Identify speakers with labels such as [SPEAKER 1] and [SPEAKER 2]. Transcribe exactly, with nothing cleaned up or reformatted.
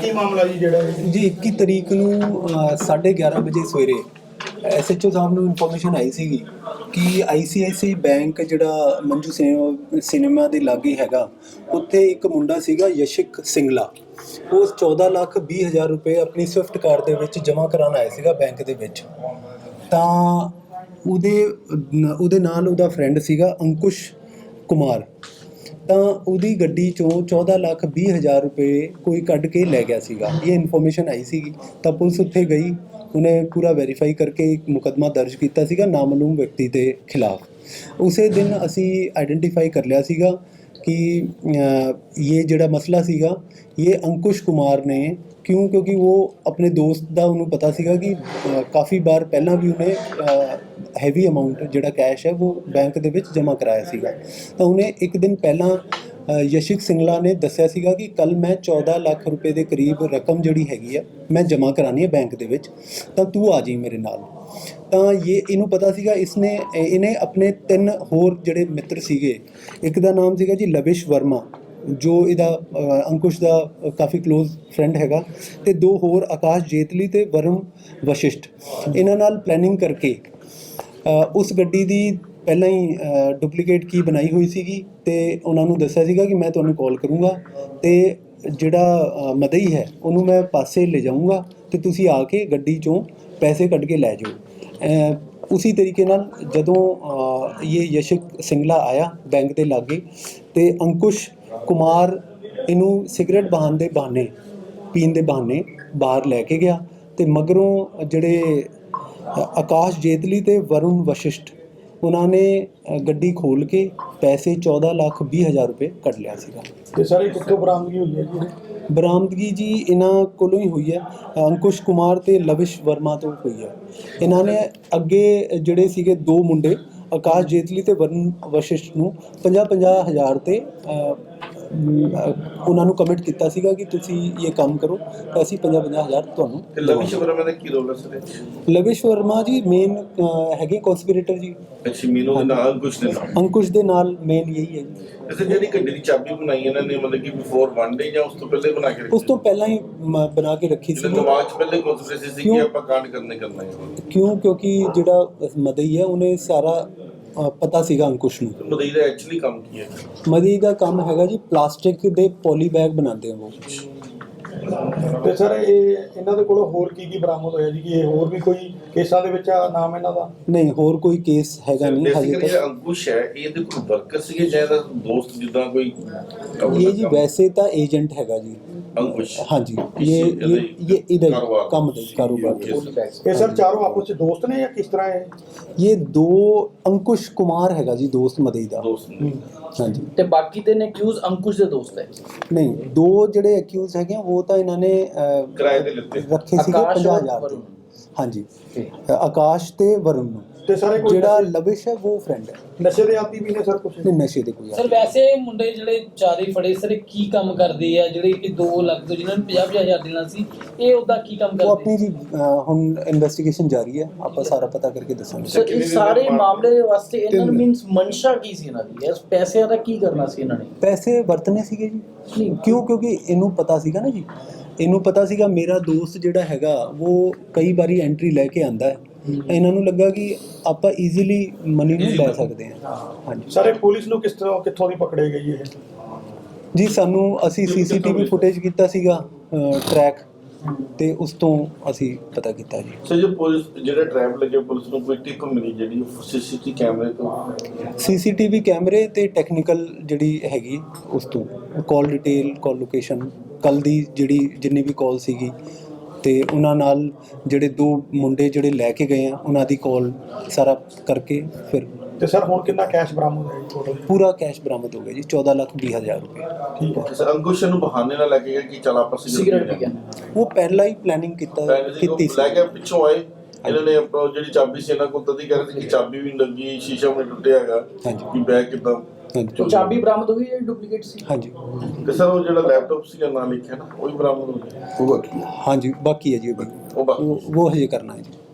[SPEAKER 1] ਕੀ ਮਾਮਲਾ ਜੀ ਜਿਹੜਾ ਇਹ?
[SPEAKER 2] ਜੀ ਇੱਕੀ ਤਰੀਕ ਨੂੰ ਸਾਢੇ ਗਿਆਰਾਂ ਵਜੇ ਸਵੇਰੇ ਐਸ ਐਚ ਓ ਸਾਹਿਬ ਨੂੰ ਇਨਫੋਰਮੇਸ਼ਨ ਆਈ ਸੀਗੀ ਕਿ ਆਈ ਸੀ ਆਈ ਸੀ ਆਈ ਬੈਂਕ ਜਿਹੜਾ ਮੰਜੂ ਸਿਨੇਮਾ ਸਿਨੇਮਾ ਦੇ ਲਾਗੇ ਹੈਗਾ, ਉੱਥੇ ਇੱਕ ਮੁੰਡਾ ਸੀਗਾ ਯਸ਼ਿਕ ਸਿੰਗਲਾ। ਉਹ ਚੌਦਾਂ ਲੱਖ ਵੀਹ ਹਜ਼ਾਰ ਰੁਪਏ ਆਪਣੀ ਸਵਿਫਟ ਕਾਰ ਦੇ ਵਿੱਚ ਜਮ੍ਹਾਂ ਕਰਾਉਣ ਆਇਆ ਸੀਗਾ ਬੈਂਕ ਦੇ ਵਿੱਚ। ਤਾਂ ਉਹਦੇ ਉਹਦੇ ਨਾਲ ਉਹਦਾ ਫਰੈਂਡ ਸੀਗਾ ਅੰਕੁਸ਼ ਕੁਮਾਰ। ਤਾਂ ਉਹਦੀ ਗੱਡੀ 'ਚੋਂ ਚੌਦਾਂ ਲੱਖ ਵੀਹ ਹਜ਼ਾਰ ਰੁਪਏ ਕੋਈ ਕੱਢ ਕੇ ਲੈ ਗਿਆ ਸੀਗਾ। ਇਹ ਇਨਫੋਰਮੇਸ਼ਨ ਆਈ ਸੀਗੀ ਤਾਂ ਪੁਲਿਸ ਉੱਥੇ ਗਈ, ਉਹਨੇ ਪੂਰਾ ਵੈਰੀਫਾਈ ਕਰਕੇ ਇੱਕ ਮੁਕੱਦਮਾ ਦਰਜ ਕੀਤਾ ਸੀਗਾ ਨਾਮਾਲੂਮ ਵਿਅਕਤੀ ਦੇ ਖਿਲਾਫ। ਉਸੇ ਦਿਨ ਅਸੀਂ ਆਈਡੈਂਟੀਫਾਈ ਕਰ ਲਿਆ ਸੀਗਾ ਕਿ ਇਹ ਜਿਹੜਾ ਮਸਲਾ ਸੀਗਾ ਇਹ ਅੰਕੁਸ਼ ਕੁਮਾਰ ਨੇ ਕਿਉਂ, ਕਿਉਂਕਿ ਉਹ ਆਪਣੇ ਦੋਸਤ ਦਾ ਉਹਨੂੰ ਪਤਾ ਸੀਗਾ ਕਿ ਕਾफ़ी ਵਾਰ ਪਹਿਲਾਂ ਵੀ ਉਹਨੇ ਹੈਵੀ ਅਮਾਊਂਟ ਜਿਹੜਾ ਕੈਸ਼ ਹੈ ਉਹ ਬੈਂਕ ਦੇ ਵਿੱਚ ਜਮ੍ਹਾਂ ਕਰਾਇਆ ਸੀਗਾ। ਤਾਂ ਉਹਨੇ ਇੱਕ ਦਿਨ ਪਹਿਲਾਂ ਯਸ਼ਿਕ ਸਿੰਗਲਾ ਨੇ ਦੱਸਿਆ ਸੀਗਾ ਕਿ ਕੱਲ੍ਹ ਮੈਂ ਚੌਦਾਂ ਲੱਖ ਰੁਪਏ ਦੇ ਕਰੀਬ ਰਕਮ ਜਿਹੜੀ ਹੈਗੀ ਆ ਮੈਂ ਜਮ੍ਹਾਂ ਕਰਾਉਣੀ ਹੈ ਬੈਂਕ ਦੇ ਵਿੱਚ, ਤਾਂ ਤੂੰ ਆ ਜਾਈਂ ਮੇਰੇ ਨਾਲ। ਤਾਂ ਇਹ ਇਹਨੂੰ ਪਤਾ ਸੀਗਾ, ਇਸਨੇ ਇਹਨੇ ਆਪਣੇ ਤਿੰਨ ਹੋਰ ਜਿਹੜੇ ਮਿੱਤਰ ਸੀਗੇ, ਇੱਕ ਦਾ ਨਾਮ ਸੀਗਾ ਜੀ ਲਵਿਸ਼ ਵਰਮਾ ਜੋ ਇਹਦਾ ਅੰਕੁਸ਼ ਦਾ ਕਾਫੀ ਕਲੋਜ਼ ਫਰੈਂਡ ਹੈਗਾ, ਅਤੇ ਦੋ ਹੋਰ ਆਕਾਸ਼ ਜੇਤਲੀ ਅਤੇ ਵਰੁਣ ਵਸ਼ਿਸ਼ਟ, ਇਹਨਾਂ ਨਾਲ ਪਲੈਨਿੰਗ ਕਰਕੇ ਉਸ ਗੱਡੀ ਦੀ ਪਹਿਲਾਂ ਹੀ ਡੁਪਲੀਕੇਟ ਕੀ ਬਣਾਈ ਹੋਈ ਸੀਗੀ ਅਤੇ ਉਹਨਾਂ ਨੂੰ ਦੱਸਿਆ ਸੀਗਾ ਕਿ ਮੈਂ ਤੁਹਾਨੂੰ ਕਾਲ ਕਰੂੰਗਾ ਅਤੇ ਜਿਹੜਾ ਮਦਈ ਹੈ ਉਹਨੂੰ ਮੈਂ ਪਾਸੇ ਲੈ ਜਾਊਂਗਾ ਅਤੇ ਤੁਸੀਂ ਆ ਕੇ ਗੱਡੀ 'ਚੋਂ ਪੈਸੇ ਕੱਢ ਕੇ ਲੈ ਜਾਓ। ਉਸੀ ਤਰੀਕੇ ਨਾਲ ਜਦੋਂ ਇਹ ਯਸ਼ਿਕ ਸਿੰਗਲਾ ਆਇਆ ਬੈਂਕ ਦੇ ਲਾਗੇ ਅਤੇ ਅੰਕੁਸ਼ ਕੁਮਾਰ ਇਹਨੂੰ ਸਿਗਰਟ ਬਹਾਨ ਦੇ ਬਹਾਨੇ ਪੀਣ ਦੇ ਬਹਾਨੇ ਬਾਹਰ ਲੈ ਕੇ ਗਿਆ ਅਤੇ ਮਗਰੋਂ ਜਿਹੜੇ ਆਕਾਸ਼ ਜੇਤਲੀ ਅਤੇ ਵਰੁਣ ਵਸ਼ਿਸ਼ਟ ਉਹਨਾਂ ਨੇ ਗੱਡੀ ਖੋਲ੍ਹ ਕੇ ਪੈਸੇ ਚੌਦਾਂ ਲੱਖ ਵੀਹ ਹਜ਼ਾਰ ਰੁਪਏ ਕੱਢ ਲਿਆ ਸੀਗਾ।
[SPEAKER 1] ਤੇ ਸਾਰੇ ਕਿੱਥੋਂ ਬਰਾਮਦਗੀ ਹੋਈ ਹੈ ਜੀ?
[SPEAKER 2] ਬਰਾਮਦਗੀ ਜੀ ਇਹਨਾਂ ਕੋਲੋਂ ਹੀ ਹੋਈ ਹੈ, ਅੰਕੁਸ਼ ਕੁਮਾਰ ਅਤੇ ਲਵਿਸ਼ ਵਰਮਾ ਤੋਂ ਹੋਈ ਹੈ। ਇਹਨਾਂ ਨੇ ਅੱਗੇ ਜਿਹੜੇ ਸੀਗੇ ਦੋ ਮੁੰਡੇ ਆਕਾਸ਼ ਜੇਤਲੀ ਅਤੇ ਵਰੁਣ ਵਸ਼ਿਸ਼ਟ ਨੂੰ ਪੰਜਾਹ ਪੰਜਾਹ ਹਜ਼ਾਰ 'ਤੇ ਉਹਨਾਂ ਨੂੰ ਕਮਿਟ ਕੀਤਾ ਸੀਗਾ ਕਿ ਤੁਸੀਂ ਇਹ ਕੰਮ ਕਰੋ ਤਾਂ ਅਸੀਂ ਪੰਜਾਹ ਪੰਜਾਹ ਹਜ਼ਾਰ ਤੁਹਾਨੂੰ।
[SPEAKER 3] ਲਵਿਸ਼ ਵਰਮਾ ਦਾ ਕੀ ਰੋਲ ਹੈ ਸਰ?
[SPEAKER 2] ਲਵਿਸ਼ ਵਰਮਾ ਜੀ ਮੇਨ ਹੈਗੇ ਕੌਂਸਪੀਰੇਟਰ ਜੀ।
[SPEAKER 3] ਅੱਛਾ, ਮੀਨੂ ਦੇ ਨਾਲ ਅੰਕੁਸ਼ ਦੇ ਨਾਲ
[SPEAKER 2] ਅੰਕੁਸ਼ ਦੇ ਨਾਲ ਮੇਨ ਇਹੀ ਹੈ ਜੀ।
[SPEAKER 3] ਵੈਸੇ ਜਿਹੜੀ ਗੱਡੀ ਦੀ ਚਾਬੀ ਬਣਾਈ ਇਹਨਾਂ ਨੇ ਮਤਲਬ ਕਿ ਬਿਫੋਰ ਵਨ ਡੇ ਜਾਂ ਉਸ ਤੋਂ ਪਹਿਲੇ ਬਣਾ ਕੇ ਰੱਖੀ?
[SPEAKER 2] ਉਸ ਤੋਂ ਪਹਿਲਾਂ ਹੀ ਬਣਾ ਕੇ ਰੱਖੀ ਸੀ।
[SPEAKER 3] ਦਿਮਾਗ 'ਚ ਪਹਿਲੇ ਕੌਨਸੈਪਟ ਸੀ ਕਿ ਆਪਾਂ ਕਾਂਡ ਕਰਨੇ ਕਰਨਾ ਹੈ।
[SPEAKER 2] ਕਿਉਂ? ਕਿਉਂਕਿ ਜਿਹੜਾ ਮਦਈ ਹੈ ਉਹਨੇ ਸਾਰਾ ਪਤਾ ਸੀਗਾ ਅੰਕੁਸ਼ ਨੂੰ।
[SPEAKER 3] ਮਦਈ ਦਾ ਐਕਚੁਅਲੀ ਕੰਮ ਕੀ ਹੈ?
[SPEAKER 2] ਮਦਈ ਦਾ ਕੰਮ ਹੈਗਾ ਜੀ ਪਲਾਸਟਿਕ ਦੇ ਪੋਲੀ ਬੈਗ ਬਣਾਉਂਦੇ ਆ ਉਹ।
[SPEAKER 1] ਤੇ ਸਰ ਇਹ ਇਹਨਾਂ ਦੇ ਕੋਲੋਂ ਹੋਰ ਕੀ ਕੀ ਬਰਾਮਦ ਹੋਇਆ ਜੀ? ਕਿ ਇਹ ਹੋਰ ਵੀ ਕੋਈ ਕੇਸਾਂ ਦੇ ਵਿੱਚ ਆ ਨਾਮ ਇਹਨਾਂ ਦਾ?
[SPEAKER 2] ਨਹੀਂ, ਹੋਰ ਕੋਈ ਕੇਸ ਹੈਗਾ ਨਹੀਂ ਹਜੇ ਤੱਕ।
[SPEAKER 3] ਇਹ ਅੰਕੁਸ਼ ਹੈ, ਇਹਦੇ ਕੋਈ ਵਰਕਰ ਸੀਗੇ ਜਾਂ ਇਹਦਾ ਦੋਸਤ ਜਿੱਦਾਂ ਕੋਈ?
[SPEAKER 2] ਇਹ ਜੀ ਵੈਸੇ ਤਾਂ ਏਜੰਟ ਹੈਗਾ ਜੀ
[SPEAKER 3] ਅੰਕੁਸ਼।
[SPEAKER 2] ਹਾਂਜੀ, ਇਹ ਇਹ ਇਹਦਾ ਕੰਮ ਦਾ ਕਾਰੋਬਾਰ।
[SPEAKER 1] ਇਹ ਸਰ ਚਾਰੋਂ ਆਪਸ ਵਿੱਚ ਦੋਸਤ ਨੇ ਜਾਂ ਕਿਸ ਤਰ੍ਹਾਂ ਹੈ?
[SPEAKER 2] ਇਹ ਦੋ ਅੰਕੁਸ਼ ਕੁਮਾਰ ਹੈਗਾ ਜੀ ਦੋਸਤ ਮਦਈ ਦਾ। ਹਾਂਜੀ।
[SPEAKER 4] ਤੇ ਬਾਕੀ ਦੇ ਨੇ ਅਕਿਊਜ਼ ਅੰਕੁਸ਼ ਦੇ ਦੋਸਤ ਹੈ?
[SPEAKER 2] ਨਹੀਂ, ਦੋ ਜਿਹੜੇ ਅਕਿਊਜ਼ ਹੈਗੇ ਉਹ ਤਾਂ ਇਹਨਾਂ ਨੇ
[SPEAKER 3] ਕਿਰਾਏ ਤੇ ਲਿੱਤੇ
[SPEAKER 2] ਰੱਖੇ ਸੀਗੇ ਪੰਜਾਹ ਹਜ਼ਾਰ ਦੇ। ਹਾਂਜੀ, ਆਕਾਸ਼ ਤੇ ਵਰੁਣ ਨੂੰ।
[SPEAKER 1] ਤੇ ਸਾਰੇ
[SPEAKER 2] ਜਿਹੜਾ ਲਵਿਸ਼ ਹੈ ਉਹ ਫਰੈਂਡ ਹੈ।
[SPEAKER 1] ਨਸ਼ੇ ਦੇ ਆਦੀ ਵੀ ਨੇ ਸਰ ਕੁਛ?
[SPEAKER 2] ਨਹੀਂ, ਨਸ਼ੇ ਦੇ ਕੋਈ।
[SPEAKER 4] ਸਰ ਵੈਸੇ ਮੁੰਡੇ ਜਿਹੜੇ ਚਾਰੇ ਫੜੇ ਸਰ ਕੀ ਕੰਮ ਕਰਦੇ ਆ ਜਿਹੜੇ ਕਿ ਦੋ ਲੱਖ ਤੋਂ ਜਿਨ੍ਹਾਂ ਨੂੰ ਪੰਜਾਹ ਪੰਜਾਹ ਹਜ਼ਾਰ ਦੇਣਾ ਸੀ, ਇਹ ਉਹਦਾ ਕੀ ਕੰਮ ਕਰਦੇ?
[SPEAKER 2] ਉਹ ਆਪਣੀ ਜੀ ਹੁਣ ਇਨਵੈਸਟੀਗੇਸ਼ਨ ਜਾਰੀ ਹੈ, ਆਪਾਂ ਸਾਰਾ ਪਤਾ ਕਰਕੇ ਦੱਸਾਂਗੇ।
[SPEAKER 4] ਸਰ ਇਸ ਸਾਰੇ ਮਾਮਲੇ ਵਾਸਤੇ ਇਹਨਾਂ ਨੂੰ ਮੀਨਸ ਮਨਸ਼ਾ ਕੀ ਸੀ ਇਹਨਾਂ ਦੀ? ਇਸ ਪੈਸਿਆਂ ਦਾ ਕੀ ਕਰਨਾ ਸੀ ਇਹਨਾਂ ਨੇ?
[SPEAKER 2] ਪੈਸੇ ਵਰਤਨੇ ਸੀਗੇ ਜੀ। ਕਿਉਂ? ਕਿਉਂਕਿ ਇਹਨੂੰ ਪਤਾ ਸੀਗਾ ਨਾ ਜੀ, ਇਹਨੂੰ ਪਤਾ ਸੀਗਾ ਮੇਰਾ ਦੋਸਤ ਜਿਹੜਾ ਹੈਗਾ ਉਹ ਕਈ ਵਾਰੀ ਐਂਟਰੀ ਲੈ ਕੇ ਆਂਦਾ ਹੈ। ਇਹਨਾਂ ਨੂੰ ਲੱਗਾ ਕਿ ਆਪਾਂ ਈਜ਼ੀਲੀ ਮਨੀ ਨੂੰ ਲੈ ਸਕਦੇ ਹਾਂ। ਹਾਂਜੀ।
[SPEAKER 1] ਸਾਰੇ ਪੁਲਿਸ ਨੂੰ ਕਿਸ ਤਰ੍ਹਾਂ ਕਿੱਥੋਂ ਦੀ ਪਕੜੇ ਗਈ ਇਹ
[SPEAKER 2] ਜੀ? ਸਾਨੂੰ ਅਸੀਂ ਸੀ ਸੀ ਟੀ ਵੀ ਫੁਟੇਜ ਕੀਤਾ ਸੀਗਾ ਟਰੈਕ, ਤੇ ਉਸ ਤੋਂ ਅਸੀਂ ਪਤਾ ਕੀਤਾ ਜੀ।
[SPEAKER 3] ਸਰ ਜੋ ਪੁਲਿਸ ਜਿਹੜਾ ਟਰੈਪ ਲੱਗੇ ਪੁਲਿਸ ਨੂੰ ਕੋਈ ਟਿਪ ਮਿਲੀ ਜਿਹੜੀ ਸੀ ਸੀ ਟੀ ਕੈਮਰੇ ਤੋਂ?
[SPEAKER 2] ਸੀ ਸੀ ਟੀ ਵੀ ਕੈਮਰੇ ਤੇ ਟੈਕਨੀਕਲ ਜਿਹੜੀ ਹੈਗੀ ਉਸ ਤੋਂ ਕਾਲ ਡਿਟੇਲ, ਕਾਲ ਲੋਕੇਸ਼ਨ, ਕੱਲ੍ਹ ਦੀ ਜਿਹੜੀ ਜਿੰਨੀ ਵੀ ਕਾਲ ਸੀਗੀ ਅਤੇ ਉਹਨਾਂ ਨਾਲ ਜਿਹੜੇ ਦੋ ਮੁੰਡੇ ਜਿਹੜੇ ਲੈ ਕੇ ਗਏ ਆ ਉਹਨਾਂ ਦੀ ਕਾਲ ਸਾਰਾ ਕਰਕੇ ਫਿਰ।
[SPEAKER 1] ਤੇ ਸਰ ਹੁਣ ਕਿੰਨਾ ਕੈਸ਼ ਬਰਾਮਦ ਹੋਇਆ ਜੀ ਟੋਟਲ?
[SPEAKER 2] ਪੂਰਾ ਕੈਸ਼ ਬਰਾਮਦ ਹੋ ਗਿਆ ਜੀ, ਚੌਦਾਂ ਲੱਖ ਵੀਹ ਹਜ਼ਾਰ ਰੁਪਏ।
[SPEAKER 1] ਠੀਕ ਹੈ
[SPEAKER 3] ਸਰ। ਅੰਕੁਸ਼ ਨੂੰ ਬਹਾਨੇ ਨਾਲ ਲੈ ਕੇ ਗਏ ਕਿ ਚਲ ਆਪਾਂ
[SPEAKER 4] ਸਿਗਰਟ ਪੀ ਕੇ?
[SPEAKER 2] ਉਹ ਪਹਿਲਾਂ ਹੀ ਪਲੈਨਿੰਗ ਕੀਤਾ ਕੀਤੀ ਸੀ।
[SPEAKER 3] ਲੈ ਕੇ ਪਿੱਛੋਂ ਆਏ ਇਹਨਾਂ ਨੇ ਜਿਹੜੀ ਚਾਬੀ ਸੀ ਇਹਨਾਂ ਕੋਲ ਤਦੀ ਕਹਿ ਰਹੇ ਸੀ ਕਿ ਚਾਬੀ ਵੀ ਨਹੀਂ ਲੱਗੀ, ਸ਼ੀਸ਼ਾ ਵੀ ਟੁੱਟਿਆ ਹੈਗਾ ਕਿ ਬੈਗ ਕਿੱਦਾਂ।
[SPEAKER 4] ਚਾਬੀ ਬਰਾਮਦ ਹੋ ਗਈ ਜਾਂ ਡੁਪਲੀਕੇਟ ਸੀ?
[SPEAKER 2] ਹਾਂਜੀ।
[SPEAKER 3] ਤੇ ਸਰ ਉਹ ਜਿਹੜਾ ਲੈਪਟਾਪ ਸੀਗਾ ਨਾਂ ਲਿਖਿਆ ਨਾ ਉਹ ਵੀ ਬਰਾਮਦ ਹੋ ਗਿਆ?
[SPEAKER 2] ਹਾਂਜੀ, ਬਾਕੀ ਹੈ ਜੀ ਉਹ ਉਹ ਹਜੇ ਕਰਨਾ ਹੈ ਜੀ।